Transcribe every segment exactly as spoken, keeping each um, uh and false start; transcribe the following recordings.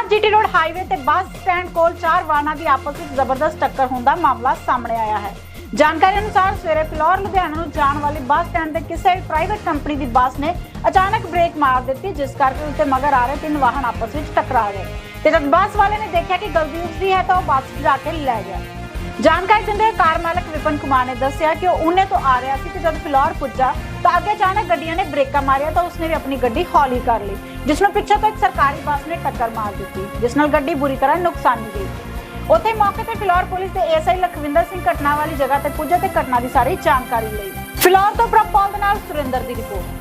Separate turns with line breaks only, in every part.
Phillaur GT road highway ते bus stand कोल चार वाहनों की आपस में जबरदस्त टक्कर होने का मामला सामने आया है। जानकारी अनुसार सवेरे फिलौर लुधियाना नूं जाण वाली बस स्टैंड ते किसी प्राइवेट कंपनी की बस ने अचानक ब्रेक मार दी, जिस करके उसके मगर आ रहे तीन वाहन आपस में टकरा गए। ते जब बस वाले ने देखा कि गलती उसकी है तो बस गिरा के ले गया। जानकारी दिंदे कार मालक विपिन कुमार ने दस्सिया कि उन्हें तो आ रहा था, जब फिलौर पुजा तो अगे अचानक गड्डियां ने ब्रेका मारिया तो उसने भी अपनी गड्डी हौली कर ली, जिसमें पिछे तो एक सरकारी बस ने टक्कर मार दी, जिस नाल गड्डी बुरी तरह नुकसानी गई। उत्थे मौके ते फिलौर पुलिस के एएसआई लखविंदर सिंह घटना वाली जगह ते पुजे ते घटना की सारी जानकारी ली। फिलौर तो प्रभपाल दे नाल सुरेंद्र दी रिपोर्ट।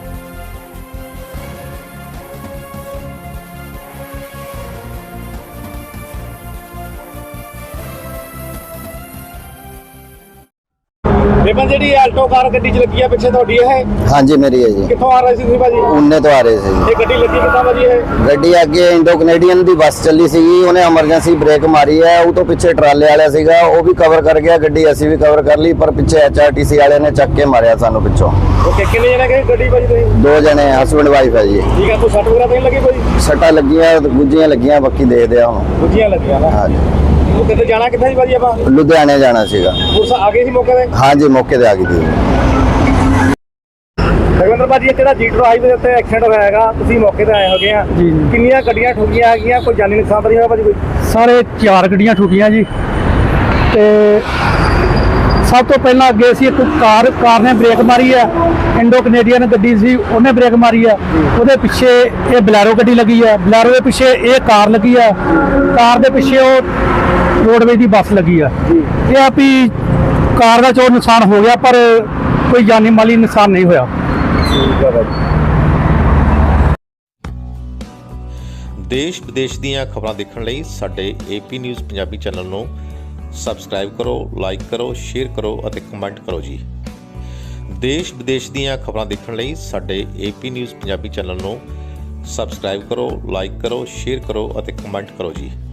बेबन जी आल्टो कार गड्डी च लगी है पिछे ਤੁਹਾਡੀ है?
हाँ जी मेरी है जी।
कित्थों आ रहे सी भाजी?
उन्ने तो आ रहे थे जी।
ये गड्डी लगी कितना भाजी है?
गड्डी अगे इंडो कनेडियन दी बस चली सी, उन्हें एमरजेंसी ब्रेक मारी है। वो तो पीछे ट्राले वाला सीगा, वो भी कवर कर गया, गड्डी असी भी कवर कर ली, पर पीछे एचआरटीसी वाले ने चक के मारिया सानू पिछों।
ओके, कितने जने गए गड्डी भाजी तुसी?
दो जने हस्बैंड वाइफ है जी।
ठीक है, कोई सट वगैरह तो नहीं लगी कोई?
सट्टा लगियां गुज्जियां लगियां, बाकी दे दिया हुन।
गुज्जियां लगियां ना?
हां जी।
वो किथे जाना किथे जी भाजी आपा?
लुधियाने जाना सीगा।
पुलिस आ गई सी मौके पे?
हां जी, मौके ते आ गई थी।
रविंद्र भाजी ਜਿਹੜਾ ਜੀਟਰ ਹਾਈਵੇ ਦੇ ਉੱਤੇ ਐਕਸੀਡੈਂਟ ਹੋਇਆ ਹੈਗਾ, ਤੁਸੀਂ ਮੌਕੇ ਤੇ ਆਏ ਹੋਗੇ ਆ, ਕਿੰਨੀਆਂ ਗੱਡੀਆਂ ਠੁਕੀਆਂ ਹੈਗੀਆਂ, ਕੋਈ ਜਾਨੀ ਨੁਕਸਾਨ ਤਾਂ ਨਹੀਂ ਹੋਇਆ ਭਾਜੀ ਕੋਈ?
ਸਾਰੇ ਚਾਰ ਗੱਡੀਆਂ ਠੁਕੀਆਂ ਜੀ। ਤੇ ਸਭ ਤੋਂ ਪਹਿਲਾਂ ਅੱਗੇ ਸੀ ਇੱਕ ਕਾਰ ਕਾਰ ਨੇ ਬ੍ਰੇਕ ਮਾਰੀ ਹੈ, ਇੰਡੋ ਕੈਨੇਡੀਅਨ ਗੱਡੀ ਸੀ, ਉਹਨੇ ਬ੍ਰੇਕ ਮਾਰੀ ਹੈ। ਉਹਦੇ ਪਿੱਛੇ ਇਹ ਬਲੈਰੋ ਗੱਡੀ ਲੱਗੀ ਹੈ, ਬਲੈਰੋ ਦੇ ਪਿੱਛੇ ਇਹ ਕਾਰ ਲੱਗੀ ਹੈ, ਕਾਰ ਦੇ ਪਿੱਛੇ ਉਹ ਰੋਡਵੇਜ਼ ਦੀ ਬੱਸ ਲੱਗੀ ਹੈ। ਇਹ ਆ ਵੀ ਕਾਰ ਦਾ ਚੋਰ ਨੁਕਸਾਨ ਹੋ ਗਿਆ, ਪਰ ਕੋਈ ਜਾਨੀ ਮਾਲੀ ਨੁਕਸਾਨ ਨਹੀਂ ਹੋਇਆ।
देश विदेश ਦੀਆਂ ਖਬਰਾਂ ਦੇਖਣ ਲਈ ਸਾਡੇ ਏਪੀ ਨਿਊਜ਼ ਪੰਜਾਬੀ ਚੈਨਲ ਨੂੰ ਸਬਸਕ੍ਰਾਈਬ ਕਰੋ, ਲਾਈਕ ਕਰੋ, ਸ਼ੇਅਰ ਕਰੋ ਅਤੇ ਕਮੈਂਟ ਕਰੋ ਜੀ। ਦੇਸ਼ ਵਿਦੇਸ਼ ਦੀਆਂ ਖਬਰਾਂ ਦੇਖਣ ਲਈ ਸਾਡੇ ਏਪੀ ਨਿਊਜ਼ ਪੰਜਾਬੀ ਚੈਨਲ ਨੂੰ ਸਬਸਕ੍ਰਾਈਬ ਕਰੋ, ਲਾਈਕ ਕਰੋ, ਸ਼ੇਅਰ ਕਰੋ ਅਤੇ ਕਮੈਂਟ ਕਰੋ ਜੀ।